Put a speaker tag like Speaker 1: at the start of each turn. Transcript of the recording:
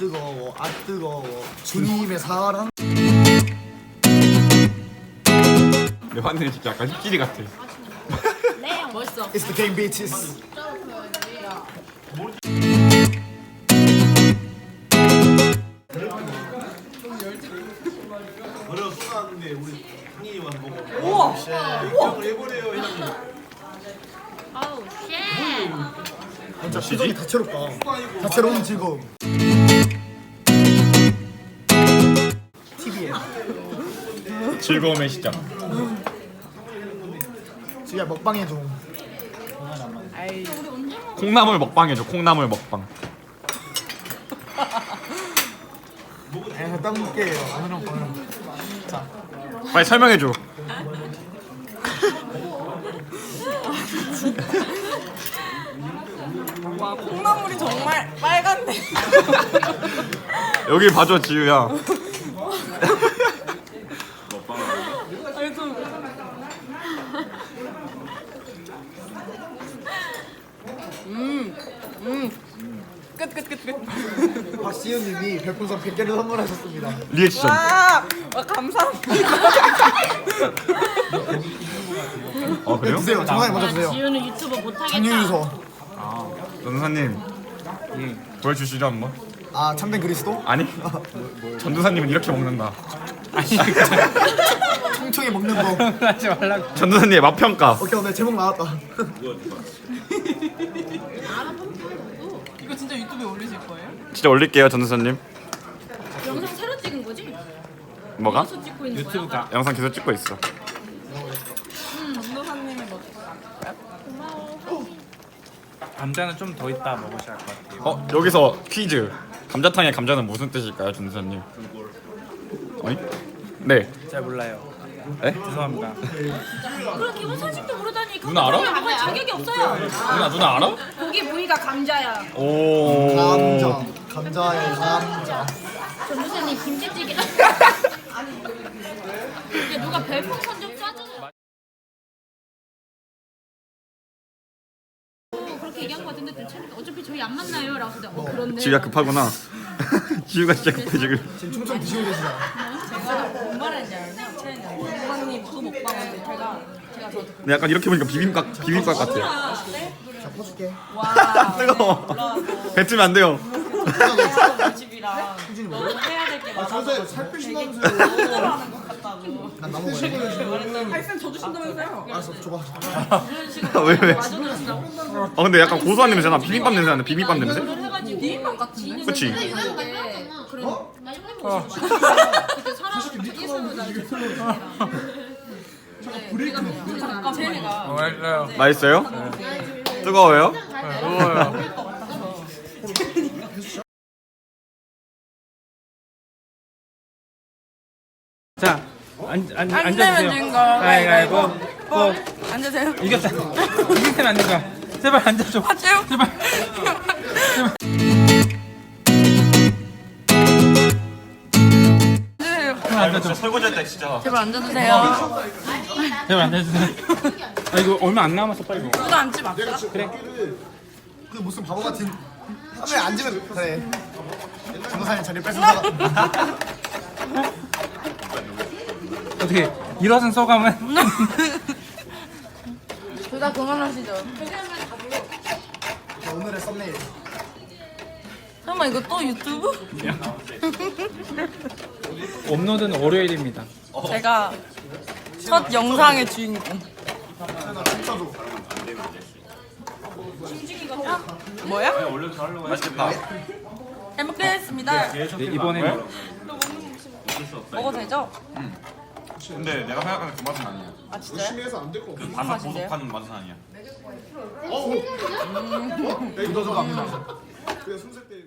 Speaker 1: 뜨거워 아 뜨거워 주님의 사랑.
Speaker 2: 내 화내는 진짜 약간 힙질이 같아.
Speaker 3: 멋있어.
Speaker 1: It's the game bitches.
Speaker 4: 어려 쏟아놨는데 우리 형님이 와서 보고 우와! 기억을 해보래요 형님.
Speaker 3: 아우 쉣.
Speaker 1: 진짜 표정이 다채롭다. 다채로운 즐거움. TV에
Speaker 2: 즐거움의 시작.
Speaker 1: 지금 먹방의 중.
Speaker 2: 콩나물 먹방 해줘. 콩나물 먹방.
Speaker 1: 딱 먹게요. 오늘은 자
Speaker 2: 빨리 설명해줘.
Speaker 5: 와 콩나물이 정말 빨간데.
Speaker 2: 여기 봐줘 지우야.
Speaker 5: 아니 좀. 끝.
Speaker 1: 박시윤님이 별풍선 100개를 선물하셨습니다.
Speaker 2: 리액션.
Speaker 5: 와 감사합니다.
Speaker 2: 어 그래요?
Speaker 1: 드세요. 정말 먼저 드세요.
Speaker 3: 지우는 유튜브 못하겠다.
Speaker 1: 장유유서.
Speaker 2: 전도사님 보여주시죠 한번.
Speaker 1: 아 참된 그리스도?
Speaker 2: 아니 전도사님은 이렇게 먹는다.
Speaker 1: 총총히 먹는 법.
Speaker 6: 하지 말라고.
Speaker 2: 전도사님의 맛평가.
Speaker 1: 오케이 오늘 제목 나왔다.
Speaker 5: 이거 진짜 유튜브에 올리실 거예요?
Speaker 2: 진짜 올릴게요 전도사님.
Speaker 3: 영상 새로 찍은 거지?
Speaker 2: 뭐가?
Speaker 3: 어디서 찍고 있는
Speaker 6: 유튜브
Speaker 3: 거야?
Speaker 6: 가.
Speaker 2: 영상 계속 찍고 있어.
Speaker 5: 전도사님이 뭐
Speaker 6: 감자는 좀 더 있다 먹으셔야 할 것 같아요.
Speaker 2: 어 여기서 퀴즈. 감자탕의 감자는 무슨 뜻일까요 전도사님? 어이? 네.
Speaker 6: 잘 몰라요.
Speaker 2: 에?
Speaker 6: 죄송합니다.
Speaker 3: 그런 기본 사실도 모르다니.
Speaker 2: 누나 알아?
Speaker 3: 먹을 자격이 없어요.
Speaker 2: 누나 알아?
Speaker 3: 고기 부위가 감자야.
Speaker 2: 오.
Speaker 1: 감자. 감자의 감자.
Speaker 3: 전무사님 김치찌개. 이게 누가 별풍선 좀 쏴주세요. 그렇게 얘기한 거 같은데 괜찮을까? 어차피 저희 안 만나요. 라고 해서 그런데.
Speaker 2: 지우야 급하구나. 지우가 진짜 급해 지금.
Speaker 1: 지금 총총 드시고 계시잖아.
Speaker 5: 제가 뭔 말인지 알죠? 전도사님 그 먹방을 제가 저
Speaker 2: 근데 약간 이렇게 보니까 비빔밥 같아.
Speaker 1: 자 퍼줄게.
Speaker 5: 와
Speaker 2: 뜨거워. 뱉으면 안 돼요.
Speaker 5: 집이랑 너무 해야 될 게 많아서
Speaker 1: 저새 살 빼신다면서요.
Speaker 5: 힘들어하는 것 같다고.
Speaker 1: 난 나무 먹어야
Speaker 5: 아이쌤 저 주신다면서요?
Speaker 1: 알았어 줘봐.
Speaker 2: 왜? 아 근데 약간 고소한 냄새 나. 비빔밥 냄새 나네. 비빔밥 냄새?
Speaker 5: 비빔밥 같은데?
Speaker 2: 그치?
Speaker 3: 나 형님 보고 그때 사람 자기 손으로 나 이렇게
Speaker 5: 잠깐 제가
Speaker 6: 맛있어요.
Speaker 2: 맛있어요? 뜨거워요?
Speaker 6: 뜨거워요. 자,
Speaker 5: 안 되면
Speaker 6: 앉아주세요.
Speaker 5: 진 거.
Speaker 6: 가위바위보. 뽀.
Speaker 5: 앉으세요.
Speaker 6: 이겼다. 이길 때는 안 된다. 제발 앉아줘.
Speaker 5: 하세요.
Speaker 6: 제발. 앉아줘.
Speaker 2: 설거지할 때 진짜.
Speaker 5: 제발 앉아주세요.
Speaker 6: 제발 앉아주세요. 아 이거 얼마 안 남았어 빨리 먹어.
Speaker 5: 누가 앉지 맙시다.
Speaker 1: 그 무슨 바보 같은. 하루에 앉으면 그래. 전도사님 자리 뺏어다가.
Speaker 6: 어떻게 일어선 소감은?
Speaker 5: 둘 다 그만하시죠.
Speaker 1: 자, 오늘의 썸네일.
Speaker 5: 설마 이거 또 유튜브?
Speaker 6: 업로드는 월요일입니다.
Speaker 5: 제가 첫 영상의 주인공. 뭐야?
Speaker 2: 맛있겠다.
Speaker 5: 잘 먹겠습니다.
Speaker 6: 네, 이번에는
Speaker 5: 먹어도 되죠?
Speaker 2: 근데 내가 생각하는 그 맛은 아니야.
Speaker 5: 아 진짜요?
Speaker 2: 그 바삭바삭한 맛은 아니야.
Speaker 1: 구도가 안 나. 그냥 손쓸 때.